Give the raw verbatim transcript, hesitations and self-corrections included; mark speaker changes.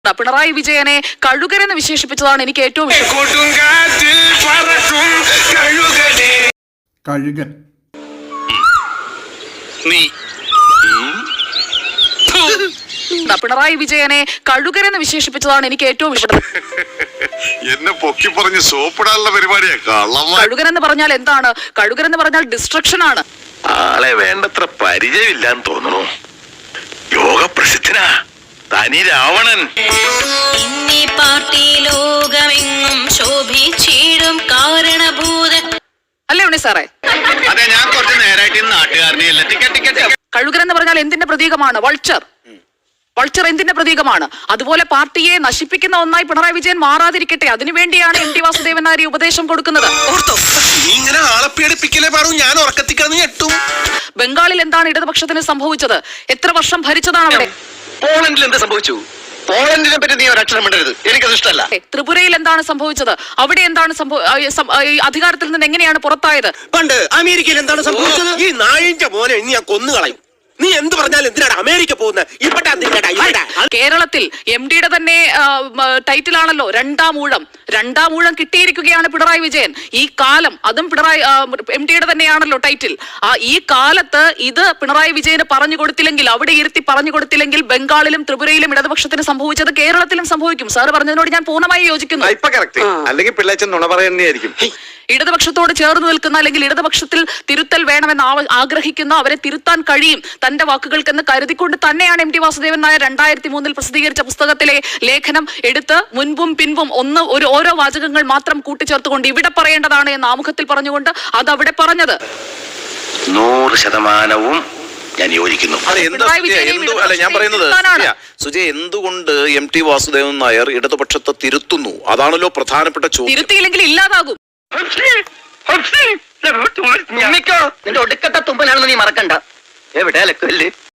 Speaker 1: പിണറായി വിജയനെ കഴുകരെന്ന് വിശേഷിപ്പിച്ചതാണ് എനിക്ക് ഏറ്റവും ഇഷ്ടം.
Speaker 2: കഴുകൻ
Speaker 1: പിണറായി വിജയനെ കഴുകരെന്ന് വിശേഷിപ്പിച്ചതാണ് എനിക്ക് ഏറ്റവും ഇഷ്ടം.
Speaker 3: എന്നെ പൊക്കി പറഞ്ഞ് സോപ്പിടാനുള്ള പരിപാടിയാ.
Speaker 1: കഴുകരെന്ന് പറഞ്ഞാൽ എന്താണ്? കഴുകരെന്ന് പറഞ്ഞാൽ ഡിസ്ട്രക്ഷൻ ആണ്.
Speaker 3: ആളെ വേണ്ടത്ര പരിചയമില്ലാന്ന് തോന്നുന്നു. യോഗ പ്രസിദ്ധനാ തനി രാവണൻ.
Speaker 1: അല്ലേ ഉണ്ണി സാറേ?
Speaker 3: അതെ, ഞാൻ കുറച്ച് നേരായിട്ട് നാട്ടുകാരനെയല്ല. ടിക്കറ്റ് ടിക്കറ്റ്
Speaker 1: കഴുകരെന്ന് പറഞ്ഞാൽ എന്തിന്റെ പ്രതീകമാണ്? വൾച്ചർ. വൾച്ചർ എന്തിന്റെ പ്രതീകമാണ്? അതുപോലെ പാർട്ടിയെ നശിപ്പിക്കുന്ന ഒന്നായി പിണറായി വിജയൻ മാറാതിരിക്കട്ടെ, അതിനുവേണ്ടിയാണ് എം ടി വാസുദേവൻ നായർ ഉപദേശം കൊടുക്കുന്നത്. ബംഗാളിൽ എന്താണ് ഇടതുപക്ഷത്തിന് സംഭവിച്ചത്? എത്ര വർഷം ഭരിച്ചതാണ് അവിടെ?
Speaker 4: പോളണ്ടിൽ എന്ത് സംഭവിച്ചു? പോളണ്ടിനെ പറ്റി നീ ഒരക്ഷരം മിണ്ടരുത്, എനിക്കത് ഇഷ്ടമല്ല.
Speaker 1: ത്രിപുരയിൽ എന്താണ് സംഭവിച്ചത്? അവിടെ എന്താണ് അധികാരത്തിൽ നിന്ന് എങ്ങനെയാണ് പുറത്തായത്?
Speaker 4: പണ്ട് അമേരിക്കയിൽ എന്താണ് സംഭവിച്ചത്? ഈ നായിന്റെ മോനെ ഇനി ഞാൻ കൊന്നുകളയും. നീ എന്ത് പറഞ്ഞാലും എന്തിനാണ് അമേരിക്ക പോകുന്നത്?
Speaker 1: കേരളത്തിൽ എം ഡിയുടെ തന്നെ ടൈറ്റിലാണല്ലോ രണ്ടാം ഊഴം. രണ്ടാം ഊഴം കിട്ടിയിരിക്കുകയാണ് പിണറായി വിജയൻ. ഈ കാലം അതും പിണറായി എം ഡിയുടെ തന്നെയാണല്ലോ ടൈറ്റിൽ. ആ ഈ കാലത്ത് ഇത് പിണറായി വിജയന് പറഞ്ഞു കൊടുത്തില്ലെങ്കിൽ, അവിടെ ഇരുത്തി പറഞ്ഞു കൊടുത്തില്ലെങ്കിൽ, ബംഗാളിലും ത്രിപുരയിലും ഇടതുപക്ഷത്തിന് സംഭവിച്ചത് കേരളത്തിലും സംഭവിക്കും. സാറ് പറഞ്ഞതിനോട് ഞാൻ പൂർണ്ണമായി യോജിക്കുന്നു.
Speaker 4: അല്ലെങ്കിൽ പിള്ളേച്ചൻ നുണ പറയുന്നതായിരിക്കും.
Speaker 1: ഇടതുപക്ഷത്തോട് ചേർന്ന് നിൽക്കുന്ന അല്ലെങ്കിൽ ഇടതുപക്ഷത്തിൽ തിരുത്തൽ വേണമെന്ന് ആഗ്രഹിക്കുന്ന, അവരെ തിരുത്താൻ കഴിയും തന്റെ വാക്കുകൾക്കെന്ന് കരുതിക്കൊണ്ട് തന്നെയാണ് എം ടി വാസുദേവൻ നായർ രണ്ടായിരത്തി മൂന്നിൽ പ്രസിദ്ധീകരിച്ച പുസ്തകത്തിലെ ലേഖനം എടുത്ത് മുൻപും പിൻപും ഒന്ന് ഒരു ഓരോ വാചകങ്ങൾ മാത്രം കൂട്ടിച്ചേർത്തുകൊണ്ട് ഇവിടെ പറയേണ്ടതാണ് എന്ന് ആമുഖത്തിൽ പറഞ്ഞുകൊണ്ട് അത് അവിടെ പറഞ്ഞത്.
Speaker 3: നൂറ് ശതമാനവും ഞാൻ യോജിക്കുന്നു.
Speaker 5: ഞാൻ പറയുന്നത് സുജയ്, എന്തുകൊണ്ട് എം ടി വാസുദേവൻ നായർ ഇടതുപക്ഷത്തെ തിരുത്തുന്നു? അതാണല്ലോ പ്രധാനപ്പെട്ട ചോദ്യം.
Speaker 1: തിരുത്തിയില്ലെങ്കിൽ ഇല്ലാതാകും.
Speaker 4: നിന്റെ ഒടുക്കത്തെ തുമ്പലാണെന്ന് നീ മറക്കണ്ട. എവിടെ അലക്കല്ലേ?